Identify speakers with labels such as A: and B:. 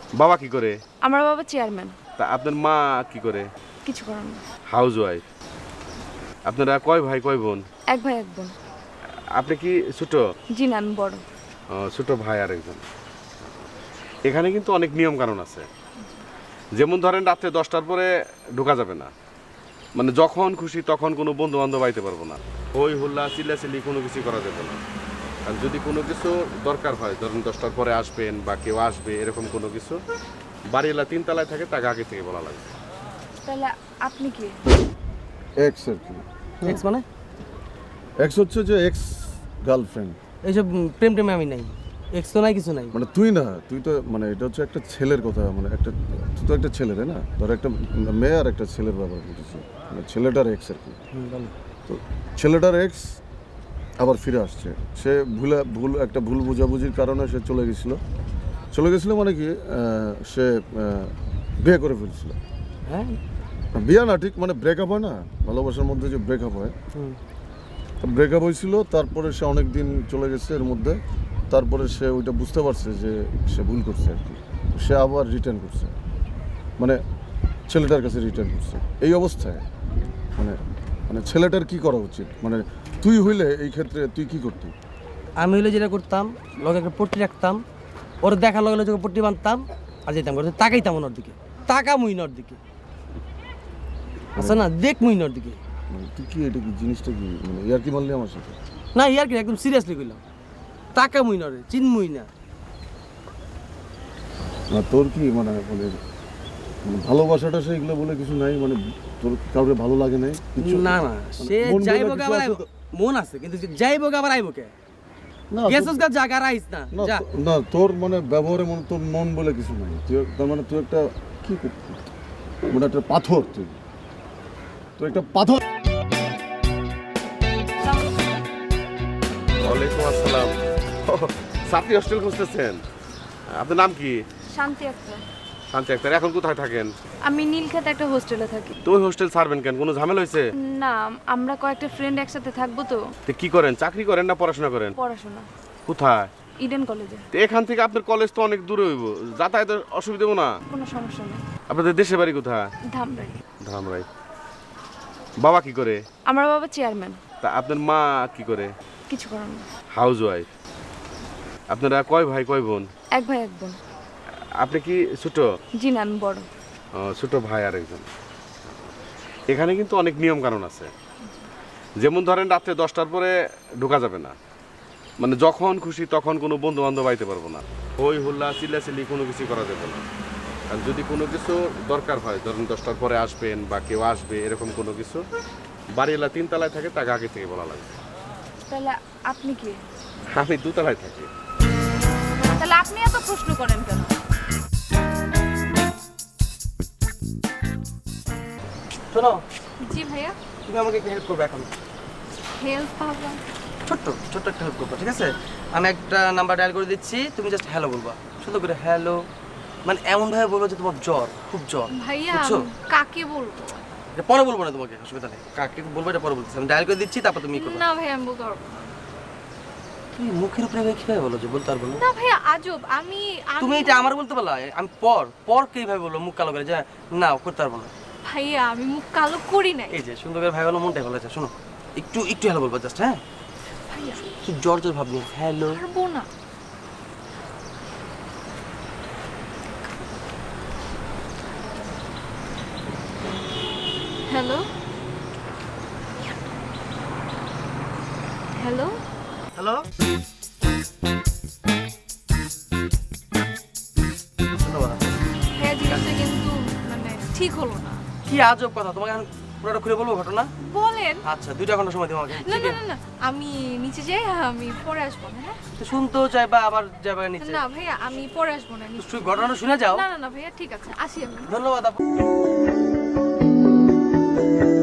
A: বাবা কি করে?
B: আমার বাবা চেয়ারম্যান।
A: তা আপনার মা কি করে?
B: কিছু করার না।
A: Housewife. আপনারা কয় ভাই কয় বোন?
B: এক ভাই এক বোন।
A: আপনি কি ছোট?
B: জি না, আমি বড়।
A: ছোট ভাই আর একজন। এখানে কিন্তু অনেক নিয়ম কানুন আছে। যেমন ধরেন রাত্রে 10টার পরে ঢোকা যাবে না, মানে যখন খুশি তখন কোনো বন্ধু বান্ধব আইতে পারবো না। হই হুল্লা চিল্লাচিল্লি কোনো কিছু করা যাবে না। আর যদি কোনো কিছু দরকার হয়, ধরেন 10টার পরে আসবেন বা কেউ আসবে এরকম কোনো কিছু, বাড়িওয়ালা 3 তলায় থাকে, তাকে আগে থেকে বলা লাগবে।
B: তাহলে আপনি কি?
C: এক্স আর কি।
D: এক্স মানে?
C: এক্স হচ্ছে যে এক্স গার্লফ্রেন্ড।
D: এইসব প্রেম টেমে আমি নাই, এক্স তো নাই, কিছু নাই।
C: মানে তুই না, তুই তো মানে এটা হচ্ছে একটা ছেলের কথা, মানে একটা তুই তো একটা ছেলে তাই না? ধর একটা মেয়ে আর একটা ছেলের ব্যাপার বলতেছি, মানে ছেলেটার এক্স আর কি। তো ছেলেটার এক্স আবার ফিরে আসছে। সে ভুল বোঝাবুঝির কারণে সে চলে গেছিলো মানে কি সে বিয়ে করে ফেলছিল।
D: হ্যাঁ,
C: বিয়ে না ঠিক, মানে ব্রেকআপ হয় না, ভালোবাসার মধ্যে যে ব্রেকআপ হয়, ব্রেকআপ হয়েছিল। তারপরে সে অনেক দিন চলে গেছে এর মধ্যে। তারপরে সে ওইটা বুঝতে পারছে যে সে ভুল করছে আর কি। সে আবার রিটার্ন করছে, মানে ছেলেটার কাছে রিটার্ন করছে। এই অবস্থায় মানে মানে ছেলেটার কি করা উচিত? মানে তুই হইলে এই ক্ষেত্রে তুই কি করতি?
D: আমি হইলে যেটা করতাম, লগে একটা পট্টি রাখতাম, ওর দেখার লগে লগে পট্টি বাঁধতাম আর যেতাম করে তাকাইতাম ওর দিকে, তাকা মুইনর দিকে, আচ্ছা না, দেখ মুইনর দিকে।
C: মানে তুই কি, এটা কি জিনিসটা কি, মানে ইয়ার কি মারলি আমার সাথে?
D: না ইয়ার কি, একদম সিরিয়াসলি কইলাম, তাকা মুইনরে চিনমুই না।
C: না তোর কি মানে বলে মানে ভালোবাসাটা সে এগুলো বলে কিছু নাই, মানে তোর কাউকে ভালো লাগে নাই কিছু?
D: না না, সে
C: মন বলে
D: যাইবো
C: কিছু
D: আবার
C: আছে
D: আইবো,
C: তো?
D: মন আছে কিন্তু যাইবো আবার আইবো কে?
C: না
D: গেছস গা জায়গা রাইস না
C: না
D: যা।
C: না তোর মানে ব্যবহারে মনে তোর মন বলে কিছু নাই। তুই তার মানে তুই একটা কি মানে একটা পাথর, তুই একটা পাথর।
A: ওয়ালাইকুম আসসালাম। ছাত্রী হোস্টেল খুঁজতেছেন? আপনার নাম কি?
B: শান্তি আক্তার।
A: শান্তি আক্তার। এখন কোথায় থাকেন?
B: আমি নীলক্ষেত একটা হোস্টেলে থাকি।
A: তো ওই হোস্টেল ছাড়বেন কেন? কোনো ঝামেলা হয়েছে?
B: না, আমরা কয়েকটা ফ্রেন্ড একসাথে থাকবো তো।
A: তো কি করেন, চাকরি করেন না পড়াশোনা করেন?
B: পড়াশোনা
A: কোথায়?
B: ইডেন কলেজে।
A: তো এখান থেকে আপনার কলেজ তো অনেক দূরে হইব, যাতায়াতের অসুবিধা হবো না?
B: কোনো সমস্যা নেই।
A: আপনাদের দেশের বাড়ি কোথায়?
B: ধামরাই।
A: ধামরাই। বাবা কি করে?
B: আমার বাবা চেয়ারম্যান।
A: তা আপনার মা কি করে?
B: কিছু করার না।
A: Housewife. আপনারা কয় ভাই কয় বোন?
B: এক ভাই এক বোন।
A: আপনি কি ছোট?
B: জি না, আমি বড়।
A: ছোট ভাই আর একজন। এখানে কিন্তু অনেক নিয়ম কানুন আছে। যেমন ধরেন রাত্রে 10টার পরে ঢোকা যাবে না, মানে যখন খুশি তখন কোনো বন্ধু বান্ধব আইতে পারবো না। হই হুল্লা চিল্লাচিল্লি কোনো কিছু করা যাবে না। আর যদি কোনো কিছু দরকার হয়, ধরেন 10টার পরে আসবেন বা কেউ আসবে এরকম কোনো কিছু, বাড়িওয়ালা 3 তলায় থাকে, তাকে আগে থেকে বলা লাগবে।
B: তাহলে আপনি কি?
A: আমি 2তলায় থাকি।
B: তাহলে আপনি এত প্রশ্ন করেন কেন?
D: শোনো,
B: জি ভাইয়া।
D: তুমি আমাকে একটা হেল্প করবে এখন,
B: হেল্প পাবো?
D: ছোট্ট একটা হেল্প করবে, ঠিক আছে? আমি একটা নাম্বার ডায়াল করে দিচ্ছি, তুমি জাস্ট হ্যালো বলবা, সুন্দর করে হ্যালো, মানে এমন ভাবে বলবো যে তোমার জ্বর, খুব জ্বর।
B: ভাইয়া
D: বুঝছো?
B: কাকে বলবো?
D: এটা পরে বলবো না তোমাকে, অসুবিধা নেই, কাকে বলবো এটা পরে বলতেছি। আমি ডায়াল করে দিচ্ছি, তারপর তুমি করবে।
B: না ভাইয়া, আমি বলতে পারবো না।
D: তুমি মুখের উপরে কিভাবে বলো যে বলতে পারবো না?
B: না ভাইয়া, আজব। আমি
D: তুমি এটা আমার বলতে পারলা, আমি পর কিভাবে বলবো মুখ কালো করে যে না করতে পারবো না?
B: ভাইয়া, আমি মুখ কালো করি নাই।
D: এই যে সুন্দর করে ভাই বলো, মনটাই ভালো আছে। শোনো, একটু হ্যালো বলবো জাস্ট, হ্যাঁ?
B: ভাইয়া
D: কি জ্বর ভাবনি, হ্যালো।
B: পারবো না। Hello hello.
D: হ্যালো,
B: হ্যাঁ জিনিসটা কিন্তু মানে ঠিক হলো না।
D: কি আজব কথা, তোমাকে এখন পুরোটা খুলে বলবো ঘটনা?
B: বলেন।
D: আচ্ছা, 2 ঘন্টা সময় দিও আমাকে।
B: না না না না, আমি নিচে যাই, আমি পরে আসবো না। হ্যাঁ
D: তো শুনতেও চাইবা আবার যাবে নিচে?
B: না ভাইয়া, আমি পরে আসবো না।
D: ঘটনাটা শুনে যাও।
B: না না না ভাইয়া, ঠিক আছে, আসি আমি।
D: ধন্যবাদ আপু।